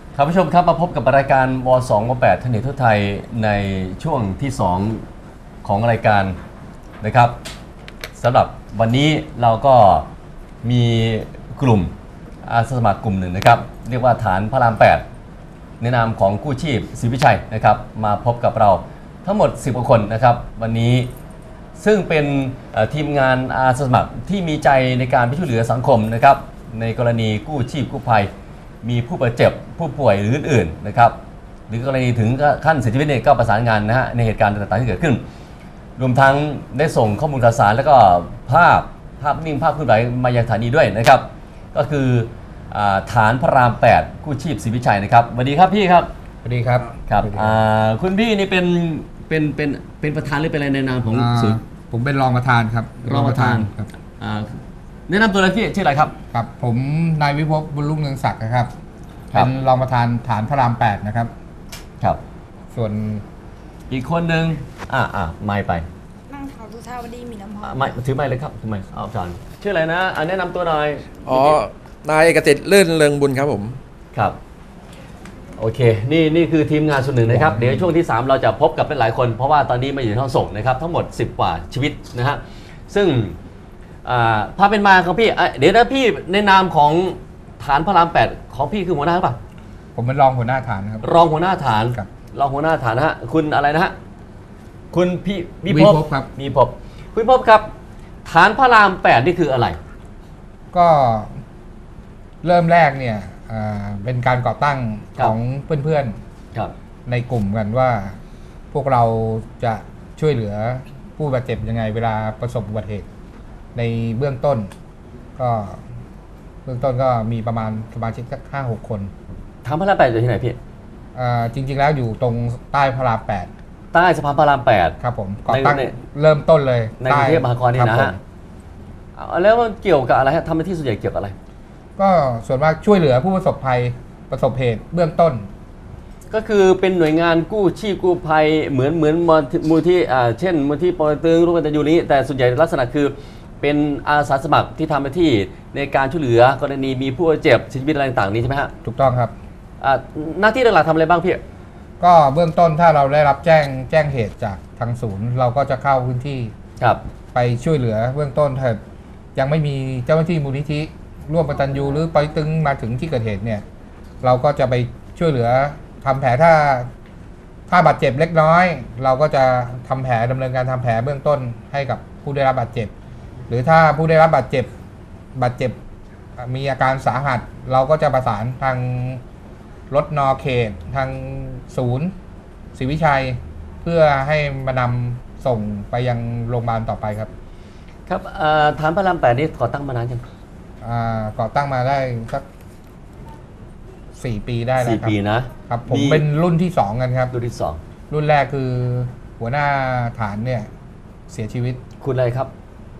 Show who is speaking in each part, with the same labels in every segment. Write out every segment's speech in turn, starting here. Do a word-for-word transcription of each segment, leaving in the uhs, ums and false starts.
Speaker 1: ครับผู้ชมครับมาพบกับรายการวสองวแปดทนเนทั่วไทยในช่วงที่สองของรายการนะครับสำหรับวันนี้เราก็มีกลุ่มอาสาสมัครกลุ่มหนึ่งนะครับเรียกว่าฐานพระรามแปดในนามของกู้ชีพศรีวิชัยนะครับมาพบกับเราทั้งหมดสิบกว่าคนนะครับวันนี้ซึ่งเป็นทีมงานอาสาสมัครที่มีใจในการช่วยเหลือสังคมนะครับในกรณีกู้ชีพกู้ภัยมีผู้บาดเจ็บผู้ป่วยหรืออื่นๆนะครับหรือกรณีถึงขั้นเสียชีวิตเนี่ยก็ประสานงานนะฮะในเหตุการณ์ต่างๆที่เกิดขึ้นรวมทั้งได้ส่งข้อมูลข่าวสารแล้วก็ภาพภาพนิ่งภาพเคลื่อนไหวมายังสถานีด้วยนะครับก็คือฐานพระรามแปดกู้ชีพศรีวิชัยนะครับสวัสดีครับพี่ครับ
Speaker 2: สวัสดีครับ
Speaker 1: ครับคุณพี่นี่เป็นเป็นเป็นเป็นประธานหรือเป็นอะไรในนามของศูนย์
Speaker 2: ผมเป็นรองประธานครับ
Speaker 1: รองประธานครับแนะนำตัวเลยพี่ชื่ออะไรครับ
Speaker 2: ครับผมนายวิภพบุญรุ่งเรืองศักดิ์นะครับเป็นรองประธานฐานพระรามแปดนะครับ
Speaker 1: ครับ
Speaker 2: ส่วน
Speaker 1: อีกคนหนึ่งอ่าอ่าไม่ไป
Speaker 3: นั่งขาวสุชาวดีมีน้ำหอม
Speaker 1: ไม่ถือไม่เลยครับทำไมเอาจานชื่ออะไรนะอันแนะนำตัวหน่อย
Speaker 4: อ๋อนายเอกสิทธิ์ลื่นเริงบุญครับผม
Speaker 1: ครับโอเคนี่นี่คือทีมงานส่วนหนึ่งนะครับเดี๋ยวช่วงที่สามเราจะพบกับหลายคนเพราะว่าตอนนี้มาอยู่ในห้องส่งนะครับทั้งหมดสิบกว่าชีวิตนะฮะซึ่งภาพเป็นมาของพี่เดี๋ยวนะพี่ในนามของฐานพระรามแปดของพี่คือหัวหน้าหรือเปล่า
Speaker 2: ผมเป็นรองหัวหน้าฐานครับ
Speaker 1: รองหัวหน้าฐานรองหัวหน้าฐานนะฮะคุณอะไรนะฮะคุณพี่
Speaker 2: วิภพครับ
Speaker 1: มีภพคุณภพครับฐานพระรามแปดนี่คืออะไร
Speaker 2: ก็เริ่มแรกเนี่ยเป็นการก่อตั้งของเพื่อนๆในกลุ่มกันว่าพวกเราจะช่วยเหลือผู้บาดเจ็บยังไงเวลาประสบอุบัติเหตุในเบื้องต้นก็เบื้องต้นก็มีประมาณสมาชิกสักห้าหกคน
Speaker 1: ฐานพระรามแปดอยู่ที่ไหนพี่
Speaker 2: จริงๆแล้วอยู่ตรงใต้พระรามแปด
Speaker 1: ใต้สะพานพระรามแปด
Speaker 2: ครับผมก่อตั้งเริ่มต้นเลย
Speaker 1: ในกรุงเทพมหานครนี่นะฮะแล้วมันเกี่ยวกับอะไรฮะทำหน้าที่ส่วนใหญ่เกี่ยวกับอะไร
Speaker 2: ก็ส่วนมากช่วยเหลือผู้ประสบภัยประสบเหตุเบื้องต้น
Speaker 1: ก็คือเป็นหน่วยงานกู้ชีพกู้ภัยเหมือนเหมือนมูลที่เช่นมูลที่ปอเต็กตึงร่วมกันอยู่นี้แต่ส่วนใหญ่ลักษณะคือเป็นอาสาสมัครที่ทำหน้าที่ในการช่วยเหลือกรณีมีผู้เจ็บเสียชีวิตอะไรต่างๆนี้ใช่ไหมฮะ
Speaker 2: ถูกต้องครับ
Speaker 1: หน้าที่หลักๆทำอะไรบ้างพี่
Speaker 2: ก็เบื้องต้นถ้าเราได้รับแจ้งแจ้งเหตุจากทางศูนย์เราก็จะเข้าพื้นที่ไปช่วยเหลือเบื้องต้นถ้ายังไม่มีเจ้าหน้าที่มูลนิธิร่วมกตัญญูหรือปอเต็กตึงมาถึงที่เกิดเหตุเนี่ยเราก็จะไปช่วยเหลือทำแผลถ้าถ้าบาดเจ็บเล็กน้อยเราก็จะทำแผลดำเนินการทำแผลเบื้องต้นให้กับผู้ได้รับบาดเจ็บหรือถ้าผู้ได้รับบาดเจ็บบาดเจ็บมีอาการสาหัสเราก็จะประสานทางรถนอเขตทางศูนย์ศรีวิชัยเพื่อให้มานำส่งไปยังโรงพยาบาลต่อไปครับ
Speaker 1: ครับฐานพระรามแปดนี้ก่อตั้งมานานยัง
Speaker 2: ก่อตั้งมาได้สักสี่ปีได้แล้ว
Speaker 1: ครับสี่ปีนะครับ
Speaker 2: ผมเป็นรุ่นที่สองกันครับ
Speaker 1: รุ่นที่สอง
Speaker 2: รุ่นแรกคือหัวหน้าฐานเนี่ยเสียชีวิต
Speaker 1: คุณอะไรครับ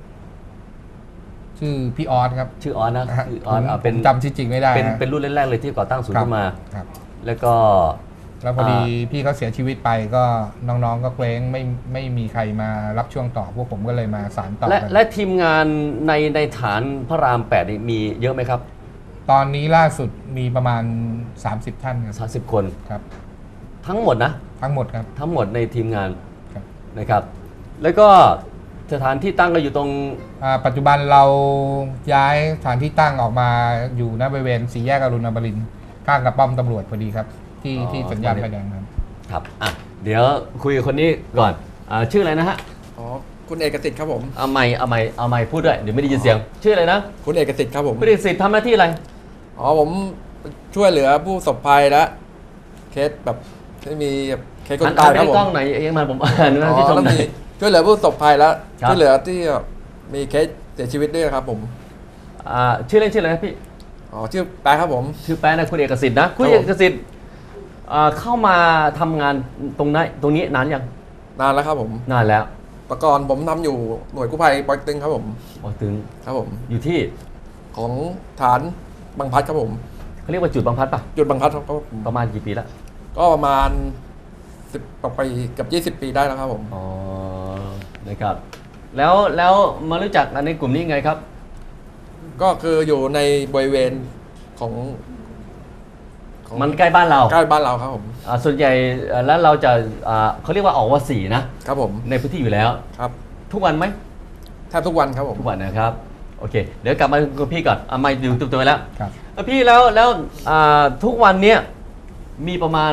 Speaker 2: ชื่อพี่ออสครับ
Speaker 1: ชื่อออสนะ
Speaker 2: ชื่อออสเป็นจำชื่อจริงไม่ได้
Speaker 1: เป็นเป็นรุ่นแรกๆเลยที่ก่อตั้งศูนย์ขึ้นมาแล้วก็
Speaker 2: แล้วพอดีพี่เขาเสียชีวิตไปก็น้องๆก็เคว้งไม่ไม่มีใครมารับช่วงต่อพวกผมก็เลยมาสานต่อ
Speaker 1: และและทีมงานในในฐานพระรามแปดมีเยอะไหมครับ
Speaker 2: ตอนนี้ล่าสุดมีประมาณสามสิบท่านครับ
Speaker 1: สามสิบคน
Speaker 2: ครับ
Speaker 1: ทั้งหมดนะ
Speaker 2: ทั้งหมดครับ
Speaker 1: ทั้งหมดในทีมงานนะครับแล้วก็สถานที่ตั้งก็อยู่ตรง
Speaker 2: ปัจจุบันเราย้ายสถานที่ตั้งออกมาอยู่ณบริเวณสี่แยกอรุณอมรินทร์ข้างกับป้อมตำรวจพอดีครับที่ที่สัญญาณไฟแดงครับ
Speaker 1: ครับอ่ะเดี๋ยวคุยกับคนนี้ก่อนอ่าชื่ออะไรนะฮะ
Speaker 4: อ๋อคุณเอกสิทธิ์ครับผม
Speaker 1: เอาไมค์เอาไมค์เอาไมค์พูดด้วยเดี๋ยวไม่ได้ยินเสียงชื่ออะไรนะ
Speaker 4: คุณเอกสิทธิ์ครับผม
Speaker 1: คุณเอกสิทธิ์ทำหน้าที่อะไร
Speaker 4: อ๋อผมช่วยเหลือผู้ประสบภัยและเคสแบบที่มีเคสคนตายครับผม
Speaker 1: กล้องไหนเองมาผมอ่านนะที่ชมหน่อย
Speaker 4: ช่วยเหลือผู้ประสบภัยและช่วยเหลือที่มีเคสเสียชีวิตด้วยครับผม
Speaker 1: อ่าชื่อเล่นชื่ออะไรนะพี่
Speaker 4: อ๋อชื่อแป๊ะครับผม
Speaker 1: ชื่อแป๊ะนะคุณเอกสิทธิ์นะคุณเอกสิทธิ์เข้ามาทำงานตรงนั้นตรงนี้นานยัง
Speaker 4: นานแล้วครับผม
Speaker 1: นานแล้ว
Speaker 4: แต่ก่อนผมทำอยู่หน่วยกู้ภัยปอเต็กตึงครับผม
Speaker 1: ปอเต็กตึง
Speaker 4: ครับผม
Speaker 1: อยู่ที่
Speaker 4: ของฐานบางพัดครับผม
Speaker 1: เขาเรียกว่าจุดบางพัดป่ะ
Speaker 4: จุดบางพัดครับ
Speaker 1: ประมาณกี่ปีแล้ว
Speaker 4: ก็ประมาณสิบกว่าปีกับยี่สิบปีได้แล้วครับผม
Speaker 1: อ๋อนะครับแล้วแล้วมารู้จักในกลุ่มนี้ไงครับ
Speaker 4: ก็คืออยู่ในบริเวณของของ
Speaker 1: มันใกล้บ้านเรา
Speaker 4: ใกล้บ้านเราครับผม
Speaker 1: อ่าส่วนใหญ่อ่าแล้วเราจะอ่าเขาเรียกว่าออกว่าสี่นะครับ
Speaker 4: ผม
Speaker 1: ในพื้นที่อยู่แล้ว
Speaker 4: ครับ
Speaker 1: ทุกวันไหม
Speaker 4: แทบทุกวันครับผม
Speaker 1: ทุกวันนะครับโอเคเดี๋ยวกลับมาคุณพี่ก่อนอ่ะมาอยู่ตัวๆแล้ว
Speaker 2: ครับ
Speaker 1: เอ่อพี่แล้วแล้วอ่าทุกวันเนี้ยมีประมาณ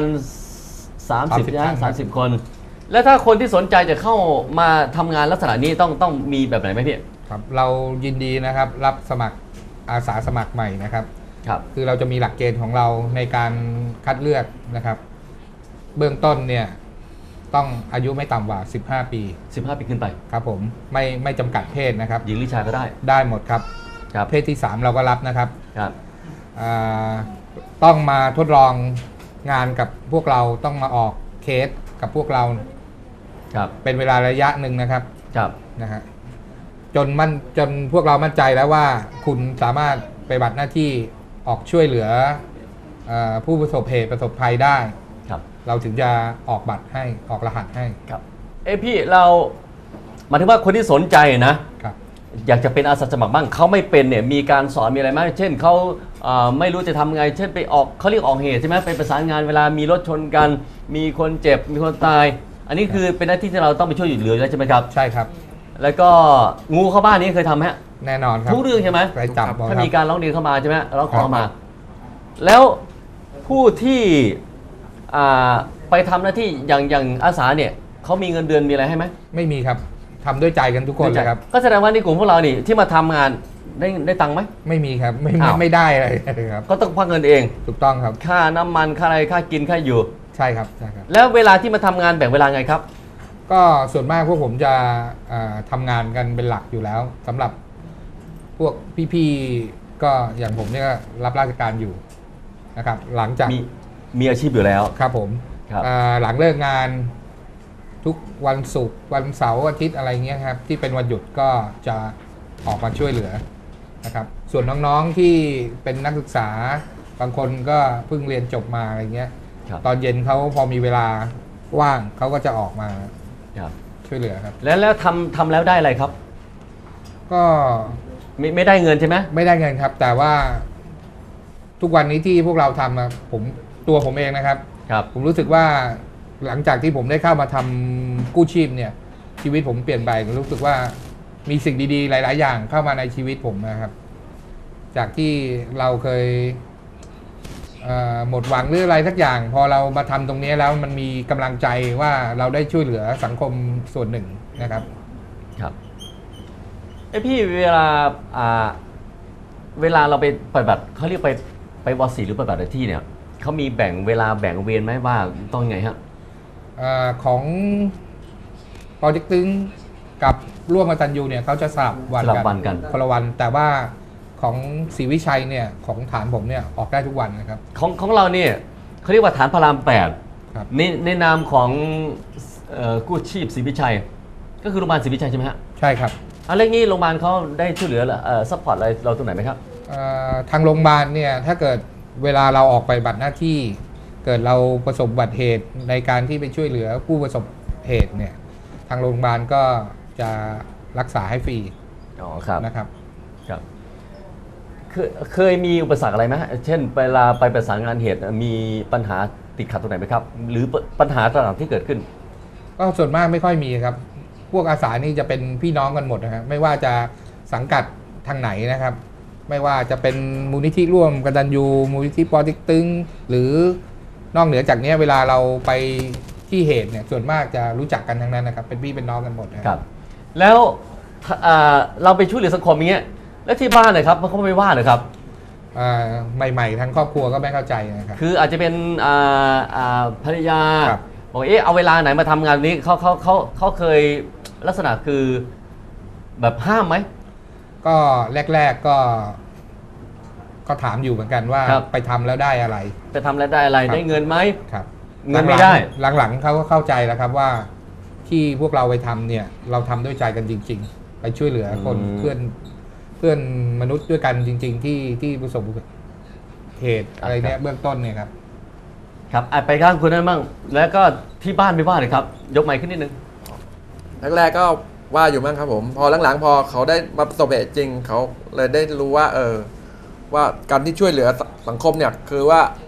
Speaker 1: 30
Speaker 2: สามสิบ
Speaker 1: นะ
Speaker 2: ท่านครับ
Speaker 1: สามสิบคน แล้วถ้าคนที่สนใจจะเข้ามาทำงานลักษณะนี้ต้องต้องมีแบบไหนไหมพี่
Speaker 2: ครับเรายินดีนะครับรับสมัครอาสาสมัครใหม่นะครับ
Speaker 1: ครับ
Speaker 2: คือเราจะมีหลักเกณฑ์ของเราในการคัดเลือกนะครับ เบื้องต้นเนี่ยต้องอายุไม่ต่ำกว่า สิบห้า ปี
Speaker 1: สิบห้าปีขึ้นไป
Speaker 2: ครับผมไม่ไม่จำกัดเพศนะครับ
Speaker 1: หญิงหรือชายก็ได้
Speaker 2: ได้หมดครับ
Speaker 1: ครับ
Speaker 2: เพศที่ สาม เราก็รับนะครับ
Speaker 1: ครับ
Speaker 2: อ่าต้องมาทดลองงานกับพวกเราต้องมาออกเคสกับพวกเรา
Speaker 1: ครับ
Speaker 2: เป็นเวลาระยะหนึ่งนะครับ
Speaker 1: ครับ
Speaker 2: นะฮะจนมั่นจนพวกเรามั่นใจแล้วว่าคุณสามารถไปฏิบัติหน้าที่ออกช่วยเหลือเออผู้ประสบเหตุประสบภัยได้
Speaker 1: ครับ
Speaker 2: เราถึงจะออกบัตรให้ออกรหัสให้
Speaker 1: ครับเอยพี่เราหมายถึงว่าคนที่สนใจนะ
Speaker 2: ครับ
Speaker 1: อยากจะเป็นอาสาสมัครบ้างเขาไม่เป็นเนี่ยมีการสอนมีอะไรไหมเช่นเขาเอ่อไม่รู้จะทำไง เช่นไปออกเขาเรียกออกเหตุใช่ไหมไปประสานงานเวลามีรถชนกัน มีคนเจ็บมีคนตาย อันนี้คือเป็นหน้าที่ที่เราต้องไปช่วยเหลืออยู่แล้วใช่ไหมครับ
Speaker 2: ใช่ครับ
Speaker 1: แล้วก็งูเข้าบ้านนี้เคยทำไหมฮะ
Speaker 2: แน่นอนครับ
Speaker 1: ทุกเรื่องใช่ไหม
Speaker 2: ไปจับ
Speaker 1: ถ้า
Speaker 2: ค
Speaker 1: มี
Speaker 2: รับ
Speaker 1: การร้องเรียนเข้ามาใช่ไหมเราขอ
Speaker 2: ครับ
Speaker 1: มา แล้วผู้ที่อ่าไปทำหน้าที่อย่างอย่างอาสาเนี่ยเขามีเงินเดือนมีอะไรให้ไหม
Speaker 2: ไม่มีครับทำด้วยใจกันทุกคนเลยครับ
Speaker 1: ก็แสดงว่าในกลุ่มพวกเรานี่ที่มาทำงานได้ได้ตังค์ไหม
Speaker 2: ไม่มีครับไม่ไม่
Speaker 1: อ้าว
Speaker 2: ไม่ได้อะไรเลยครับ
Speaker 1: ก็ต้องพักเงินเอง
Speaker 2: ถูกต้องครับ
Speaker 1: ค่าน้ำมันค่าอะไรค่ากินค่าอยู่
Speaker 2: ใช่ครับใช่ครับ
Speaker 1: แล้วเวลาที่มาทำงานแบ่งเวลาไงครับ
Speaker 2: ก็ส่วนมากพวกผมจะเอ่อทำงานกันเป็นหลักอยู่แล้วสำหรับพวกพี่ๆก็อย่างผมเนี่ยรับราชการอยู่นะครับ หลังจาก
Speaker 1: มีมีอาชีพอยู่แล้ว
Speaker 2: ครับผม
Speaker 1: ครับ
Speaker 2: เอ่อหลังเลิกงานทุกวันศุกร์วันเสาร์อาทิตย์อะไรเงี้ยครับที่เป็นวันหยุดก็จะออกมาช่วยเหลือนะครับ ส่วนน้องๆที่เป็นนักศึกษาบางคนก็เพิ่งเรียนจบมาอะไรเงี้ย
Speaker 1: ครับ
Speaker 2: ตอนเย็นเขาพอมีเวลาว่างเขาก็จะออกมา
Speaker 1: ครับ
Speaker 2: ช่วยเหลือครับ
Speaker 1: แล้วแล้วทำทำแล้วได้อะไรครับ
Speaker 2: ก็
Speaker 1: ไม่ไม่ได้เงินใช่ไหม
Speaker 2: ไม่ได้เงินครับ แต่ว่าทุกวันนี้ที่พวกเราทำอะผมตัวผมเองนะครับ
Speaker 1: ครับ
Speaker 2: ผมรู้สึกว่าหลังจากที่ผมได้เข้ามาทำกู้ชีพเนี่ย ชีวิตผมเปลี่ยนไปรู้สึกว่ามีสิ่งดีๆ หลาย ๆ อย่างเข้ามาในชีวิตผมนะครับ จากที่เราเคยเอ่อหมดหวังหรืออะไรสักอย่าง พอเรามาทำตรงนี้แล้วมันมีกำลังใจว่าเราได้ช่วยเหลือสังคมส่วนหนึ่งนะครับ
Speaker 1: ครับไอยพี่เวลาอ่าเวลาเราไปปฏิบัติเขาเรียกไปไปวสีหรือปฏิบัติหน้าที่เนี่ยเขามีแบ่งเวลาแบ่งเวรไหมว่าต้องไงฮะ
Speaker 2: เออของโปรเจกต์ตึงกับร่วมกตัญญูเนี่ยเขาจะสลับวัน
Speaker 1: สลับวันกัน
Speaker 2: คนละวัน แต่ว่าของศรีวิชัยเนี่ยของฐานผมเนี่ยออกได้ทุกวันนะครับ
Speaker 1: ของของเราเนี่ยเขาเรียกว่าฐานพระรามแปด
Speaker 2: ครับ
Speaker 1: ในในนามของเอ่อกู้ชีพศรีวิชัย ก็คือโรงพยาบาลศรีวิชัยใช่ไหมฮะ
Speaker 2: ใช่ครับ
Speaker 1: อะไรงี้โรงพยาบาลเขาได้ช่วยเหลือเอ่อซัพพอร์ตอะไรเราตรงไหนไหมครับ
Speaker 2: เอ่อทางโรงพยาบาลเนี่ยถ้าเกิดเวลาเราออกไปบัตรหน้าที่ เกิดเราประสบอุบัติเหตุในการที่ไปช่วยเหลือผู้ประสบเหตุเนี่ยทางโรงพยาบาลก็จะรักษาให้ฟรี
Speaker 1: อ๋อครับ
Speaker 2: นะครับ
Speaker 1: ครับเคยเคยมีอุปสรรคอะไรไหมฮะเช่นเวลาไปประสานงานเหตุมีปัญหาติดขัดตรงไหนไหมครับ หรือปัญหาต่างๆที่เกิดขึ้น
Speaker 2: ก็ส่วนมากไม่ค่อยมีครับ พวกอาสานี่จะเป็นพี่น้องกันหมดนะครับไม่ว่าจะสังกัดทางไหนนะครับ ไม่ว่าจะเป็นมูลนิธิร่วมกตัญญูมูลนิธิปอเต็กตึงหรือนอกเหนือจากนี้เวลาเราไปที่เหตุเนี่ยส่วนมากจะรู้จักกันทั้งนั้นนะครับเป็นพี่เป็นน้องกันหมดนะ
Speaker 1: ค
Speaker 2: ค
Speaker 1: รั
Speaker 2: รับ
Speaker 1: บ แล้วถ้าอ่าเราไปช่วยเหลือสังคมอย่างเงี้ยแล้วที่บ้านเลยครับเขาไม่ว่าเลยครับ
Speaker 2: อ่าใหม่ๆทั้งครอบครัวก็ไม่เข้าใจนะครับ
Speaker 1: คืออาจจะเป็นอ่าอ่าภรรยา
Speaker 2: ครับ
Speaker 1: บอกเอ๊ะเอาเวลาไหนมาทำงานนี้เขาเขาเขาเขาเคยลักษณะคือแบบห้ามไหม
Speaker 2: ก็แรก ๆก็ ก็ถามอยู่เหมือนกันว่า
Speaker 1: ครับ
Speaker 2: ไปทำแล้วได้อะไร
Speaker 1: จะทำแล้วได้อะไร
Speaker 2: ครับ
Speaker 1: ได้เงินไหม
Speaker 2: ครับ
Speaker 1: เงินไม่ได้
Speaker 2: หลังๆเขาก็เข้าใจแล้วครับว่าที่พวกเราไปทำเนี่ย เราทำด้วยใจกันจริง ๆ ไปช่วยเหลือคน
Speaker 1: อืม
Speaker 2: เพื่อนเพื่อนมนุษย์ด้วยกันจริง ๆ ที่ที่ประสบเหตุอะไรเนี่ยเบื้องต้นเนี่ยครับ
Speaker 1: ครับอ่ะไปข้างคุณนั่นบ้างแล้วก็ที่บ้านไม่ว่าเลยครับ ยกไมค์ขึ้นนิดนึง
Speaker 4: แรกๆก็ว่าอยู่มั้งครับผม พอหลังๆพอเขาได้มาประสบเหตุจริงเขาเลยได้รู้ว่า เออ ว่าการที่ช่วยเหลือสังคมเนี่ยคือว่า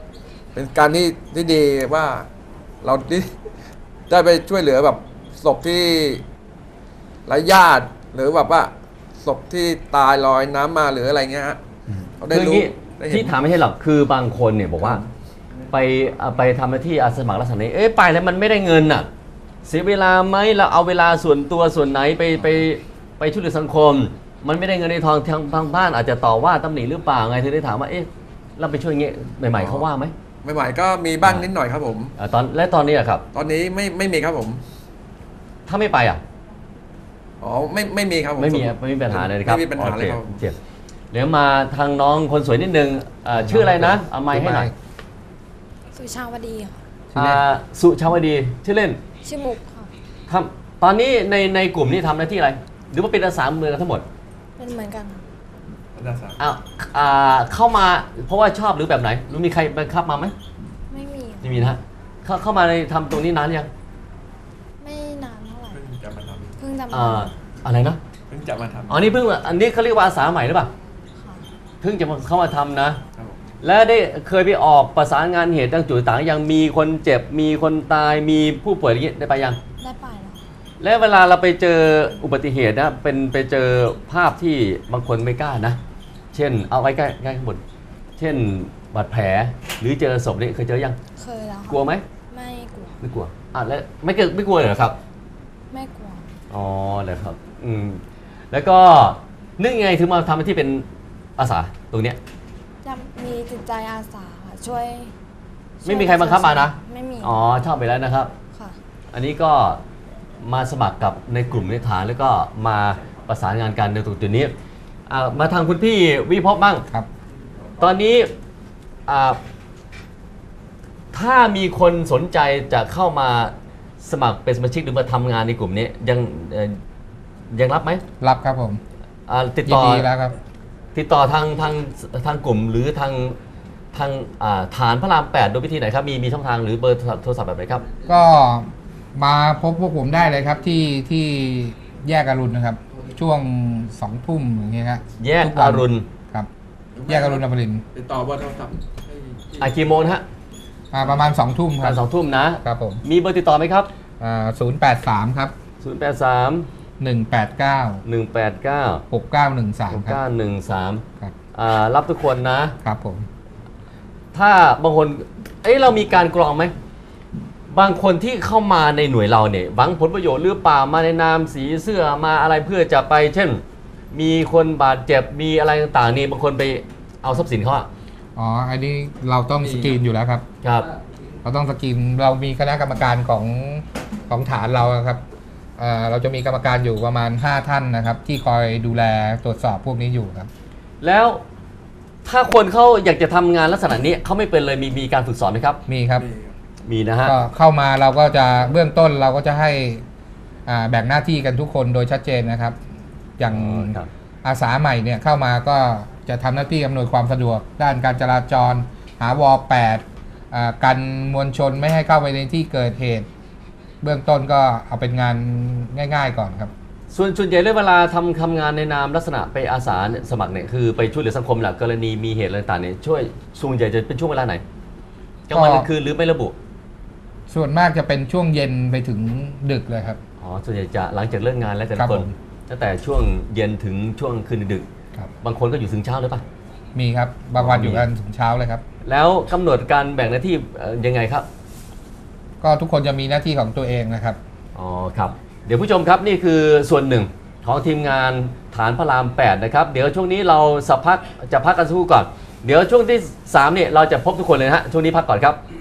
Speaker 4: เป็นการที่ที่ดีว่าเราที่ได้ไปช่วยเหลือแบบศพที่ไร้ญาติหรือแบบว่าศพที่ตายลอยน้ำมาหรืออะไรเงี้ยฮะเขาได้
Speaker 1: คืออย่าง
Speaker 4: รู้
Speaker 1: นี้
Speaker 4: ได้เห็น
Speaker 1: ที่ถามไม่ใช่หรอกคือบางคนเนี่ยบอกว่าไปอ่ะไปทำหน้าที่อาสาสมัครลักษณะนี้เอ๊ะไปแล้วมันไม่ได้เงินน่ะเสียเวลาไหมเราเอาเวลาส่วนตัวส่วนไหนไปไปไปช่วยเหลือสังคม มันไม่ได้เงินในทองทางทางบ้านอาจจะต่อว่าตำหนิหรือเปล่าไงถึงได้ถามว่าเอ๊ะเราไปช่วยอย่างเงี้ยใหม่ๆเขาว่าไหม
Speaker 4: ใหม่ๆก็มีบ้างนิดหน่อยครับผม
Speaker 1: อ่ะตอนและตอนนี้อะครับ
Speaker 4: ตอนนี้ไม่ไม่มีครับผม
Speaker 1: ถ้าไม่ไปอ่ะ
Speaker 4: อ๋อไม่ไม่มีครับผม
Speaker 1: ไม่มีอ่ะไม่มีปัญหาเลยนะครับ
Speaker 4: ไม่มีปัญหาเลยครับ
Speaker 1: โอเเจ็บเดี๋ยวมาทางน้องคนสวยนิดนึงอ่าชื่ออะไรนะเอาไมค์ให้หน่อย
Speaker 3: สุชาวดีค่ะ
Speaker 2: ชื่อเล่น
Speaker 1: อ่าสุชาวดีชื่อเล่น
Speaker 3: ชื่อมุกค่ะ
Speaker 1: ทำตอนนี้ในในกลุ่มนี้ทำหน้าที่อะไร หรือว่าเป็นอาสาเมืองกันทั้งหมด
Speaker 3: เป็นเหมือนกันค่ะ
Speaker 1: อ้าวอ่าเข้ามาเพราะว่าชอบหรือแบบไหนหรือมีใครบังคับมาไหม
Speaker 3: ไม่มี
Speaker 1: ไม่มีนะฮะเข้าเข้ามาในทำตรงนี้นานยัง
Speaker 3: ไม่นานเท่าไหร่
Speaker 4: เพิ่งจะมาท
Speaker 3: เพิ่งจะมา
Speaker 1: อ่าอะไรนะ
Speaker 4: ำเพิ่งจะมาทำ
Speaker 1: อ๋อนี่เพิ่งอันนี้เขาเรียกว่าอาสาใหม่หรือเปล่า
Speaker 3: ค่ะ
Speaker 1: เพิ่งจะมาเข้ามาทำนะ
Speaker 4: ครับผม
Speaker 1: แล้วได้เคยไปออกประสานงานเหตุต่างจุดต่างยังมีคนเจ็บมีคนตายมีผู้ป่วยอะไรอย่างนี้ได้ไปยัง
Speaker 3: ได้ไปแล้ว
Speaker 1: และเวลาเราไปเจออุบัติเหตุนะเป็นไปเจอภาพที่บางคนไม่กล้านะ เช่นเอาไว้ใกล้ใกล้ข้างบนเช่นบาดแผลหรือเจอศพนี่เคยเจอยัง
Speaker 3: เคยแล้วค่ะ
Speaker 1: กลัวไหม
Speaker 3: ไม่กลัว
Speaker 1: ไม่กลัวอ่ะแล้วไม่เกิดไม่กลัวเลยเหรอครับ
Speaker 3: ไม่กลัว
Speaker 1: อ๋อเลยครับอืมแล้วก็นึกยังไงถึงมาทำหน้าที่เป็นอาสาตรงเนี้ย
Speaker 3: จะมีจิตใจอาสาค่ะช่วย
Speaker 1: ไม่มีใครบังคับมานะ
Speaker 3: ไม่มี
Speaker 1: อ๋อชอบไปแล้วนะครับ
Speaker 3: ค่ะ
Speaker 1: อันนี้ก็มาสมัครกับในกลุ่มในฐานแล้วก็มาประสานงานกันในตรงจุดนี้อ่ามาทางคุณพี่วิภพบ้าง
Speaker 2: ครับ
Speaker 1: ตอนนี้อ่าถ้ามีคนสนใจจะเข้ามาสมัครเป็นสมาชิกหรือมาทำงานในกลุ่มนี้ยังเอ่อยังรับไหม
Speaker 2: รับครับผม
Speaker 1: อ่าติด
Speaker 2: ยิ
Speaker 1: ต่
Speaker 2: น
Speaker 1: อ
Speaker 2: ดีแล้วครับ
Speaker 1: ติดต่อทางทางทางกลุ่มหรือทางทางอ่าฐานพระรามแปดโดยวิธีไหนครับมีมีช่องทางหรือเบอร์โทรศัพท์แบบไหนครับ
Speaker 2: ก็มาพบพวกผมได้เลยครับที่ที่แยกอรุณนะครับ ช่วงสองทุ่มอย่างเงี้ยครับ
Speaker 1: แยก
Speaker 2: ทุวั
Speaker 1: อน รุณ
Speaker 2: ครับ แยกอรุณอมรินทร์
Speaker 4: ติดต่อเบอร์โทรศัพท์ให้
Speaker 1: อากี่โมงนะฮะ
Speaker 2: อ่าประมาณสองทุ่มค
Speaker 1: กา
Speaker 2: รั
Speaker 1: ร
Speaker 2: บ
Speaker 1: สองทุ่มนะครับ
Speaker 2: ผม
Speaker 1: มีเบอร์ติดต่อไหมครับ
Speaker 2: อ่าศูนย์แปดสามครับ
Speaker 1: ศูนย์แปดสาม
Speaker 2: หนึ่งแปดเก้า
Speaker 1: หนึ่งแปดเก้า
Speaker 2: หกเก้าหนึ่งสาม
Speaker 1: หก
Speaker 2: ครับ
Speaker 1: เก้าหนึ่งสาม
Speaker 2: ครับ
Speaker 1: อ่ารับทุกคนนะ
Speaker 2: ครับผม
Speaker 1: ถ้าบางคน เอ้ยเรามีการกรองไหม บางคนที่เข้ามาในหน่วยเราเนี่ยหวังผลประโยชน์หรือเปล่ามาในนามสีเสื้อมาอะไรเพื่อจะไป เช่น มีคนบาดเจ็บมีอะไรต่างๆนี่บางคนไปเอาทรัพย์สินเขาอะ
Speaker 2: อ๋ออันนี้เราต้องสกรีนอยู่แล้วครับ
Speaker 1: ครับ
Speaker 2: เราต้องสกรีนเรามีคณะกรรมการของของฐานเราอะครับเอ่อเราจะมีกรรมการอยู่ประมาณห้าท่านนะครับ ที่คอยดูแลตรวจสอบพวกนี้อยู่ครับ
Speaker 1: แล้วถ้าคนเขาอยากจะทำงานลักษณะนี้เขาไม่เป็นเลยมีมีการฝึกสอนไหมครับ
Speaker 2: มีครับ
Speaker 4: มีครับ
Speaker 1: มีนะฮะ
Speaker 2: ก็เข้ามาเราก็จะเบื้องต้นเราก็จะให้อ่าแบ่งหน้าที่กันทุกคนโดยชัดเจนนะครับ อย่าง
Speaker 1: อ๋อครับ
Speaker 2: อาสาใหม่เนี่ยเข้ามาก็จะทำหน้าที่อำนวยความสะดวก ด้านการจราจร หาวอแปดอ่ากันมวลชนไม่ให้เข้าไปในที่เกิดเหตุ เบื้องต้นก็เอาเป็นงานง่าย ๆก่อนครับ
Speaker 1: ส่วนส่วนใหญ่เลยเวลาทำทำงานในนามลักษณะไปอาสาเนี่ยสมัครเนี่ยคือไปช่วยเหลือสังคมแหละกรณีมีเหตุอะไรต่างๆเนี่ยช่วยส่วนใหญ่จะเป็นช่วงเวลาไหนกลางวันกลางคืนหรือไม่ระบุ
Speaker 2: ส่วนมากจะเป็นช่วงเย็นไปถึงดึกเลยครับ
Speaker 1: อ๋อส่วนใหญ่จะหลังจากเลิกงานแล้วแต่
Speaker 2: ครั
Speaker 1: ละ
Speaker 2: บ
Speaker 1: คน
Speaker 2: ผม
Speaker 1: ตั้งแต่ช่วงเย็นถึงช่วงคืนดึก
Speaker 2: ครับ
Speaker 1: บางคนก็อยู่ถึงเช้าเลยป่ะ
Speaker 2: มีครับบางวัน
Speaker 1: อ๋อ
Speaker 2: อ
Speaker 1: อ
Speaker 2: ยู่กันถึงเช้าเลยครับ
Speaker 1: แล้วกำหนดการแบ่งหน้าที่เอ่อยังไงครับ
Speaker 2: ก็ทุกคนจะมีหน้าที่ของตัวเองนะครับ
Speaker 1: อ๋อครับเดี๋ยวผู้ชมครับนี่คือส่วนหนึ่งของทีมงานฐานพระรามแปดนะครับเดี๋ยวช่วงนี้เราสักพักจะพักกันสักครู่ก่อน เดี๋ยวช่วงที่สามเนี่ยเราจะพบทุกคนเลยนะฮะช่วงนี้พักก่อนครับ